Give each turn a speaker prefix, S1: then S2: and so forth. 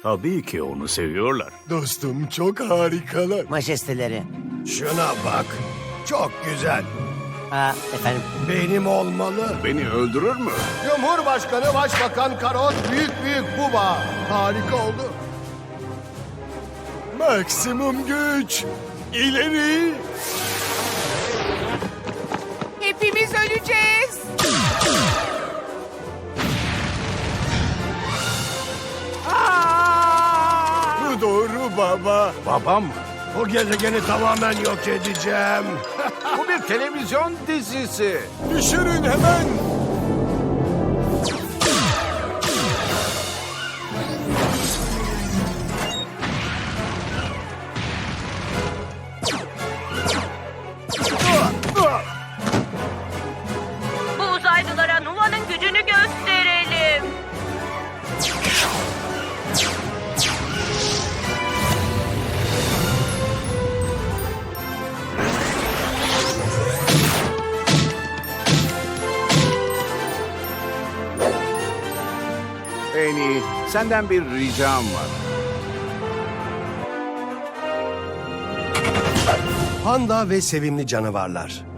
S1: Tabii ki onu seviyorlar.
S2: Dostum çok harikalar.
S3: Majesteleri.
S2: Şuna bak. Çok güzel.
S3: Efendim.
S2: Benim olmalı.
S1: Beni öldürür mü?
S2: Cumhurbaşkanı Başbakan Karot büyük büyük buba. Harika oldu. Maksimum güç. İleri.
S4: Hepimiz öleceğiz.
S2: Bu doğru baba.
S1: Babam mı?
S2: Bu gezegeni tamamen yok edeceğim.
S1: Bu bir televizyon dizisi.
S2: Düşürün hemen.
S5: Bu uzaylılara Nuva'nın gücünü gösterelim.
S1: En iyi, senden bir ricam var.
S2: Panda ve sevimli canavarlar.